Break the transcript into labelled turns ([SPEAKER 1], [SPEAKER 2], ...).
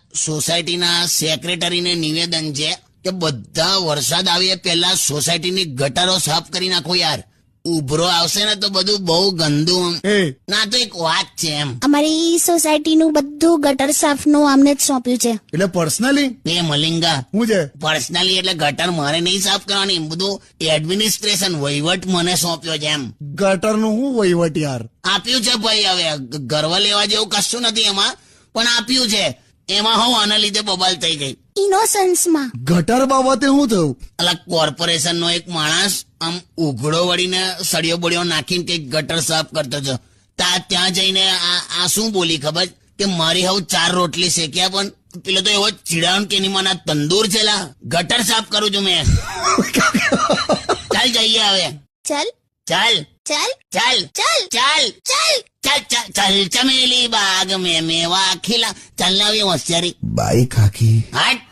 [SPEAKER 1] સોસાયટીના સેક્રેટરીને નિવેદન છે કે બધા વરસાદ આવે પહેલા સોસાયટીની ગટરો સાફ કરી નાખો યાર. ઉભરો આવશે ને તો બધું બહુ ગંદુ. ના તો એક વાત છે એમ,
[SPEAKER 2] અમારી સોસાયટીનું બધું ગટર સાફનું અમને જ સોંપ્યું છે.
[SPEAKER 3] એટલે પર્સનલી
[SPEAKER 1] બે મલિંગા
[SPEAKER 3] હું છે
[SPEAKER 1] પર્સનલી એટલે ગટર મારે નહીં સાફ કરવાની, બધું એડમિનિસ્ટ્રેશન વહીવટ મને સોંપ્યો છે એમ.
[SPEAKER 3] ગટર નું હું વહીવટ યાર.
[SPEAKER 1] આપ્યું છે ભાઈ, હવે ગર્વ લેવા જેવું કશું નથી એમાં, પણ આપ્યું છે. એમાં હું આના લીધે બબાલ થઈ ગઈ.
[SPEAKER 2] ઇનોસન્સમાં
[SPEAKER 3] ગટર બાબતે શું થયું?
[SPEAKER 1] અલા કોર્પોરેશન નો એક માણસ આમ ઉઘડો વળીને સળિયો બળિયો નાખીને કઈક ગટર સાફ કરતો હતો. ત્યાં જઈને આ શું બોલી ખબર કે મારી હવે 4 રોટલી શેક્યા, પણ પેલો તો એવો ચીડાણ કે એની મને તંદૂર છે લા, ગટર સાફ કરું છું મેં. ચાલ જઈએ હવે.
[SPEAKER 2] ચાલ
[SPEAKER 1] ચાલ
[SPEAKER 2] ચાલ
[SPEAKER 1] ચાલ
[SPEAKER 2] ચાલ
[SPEAKER 1] ચાલ
[SPEAKER 2] ચાલ
[SPEAKER 1] ચાલ ચાલ ચાલ ચમેલી બાગ મેં મેવા ખીલા. ચાલ ને આવી હોશિયારી.
[SPEAKER 3] બાઈ કાકી
[SPEAKER 1] હટ.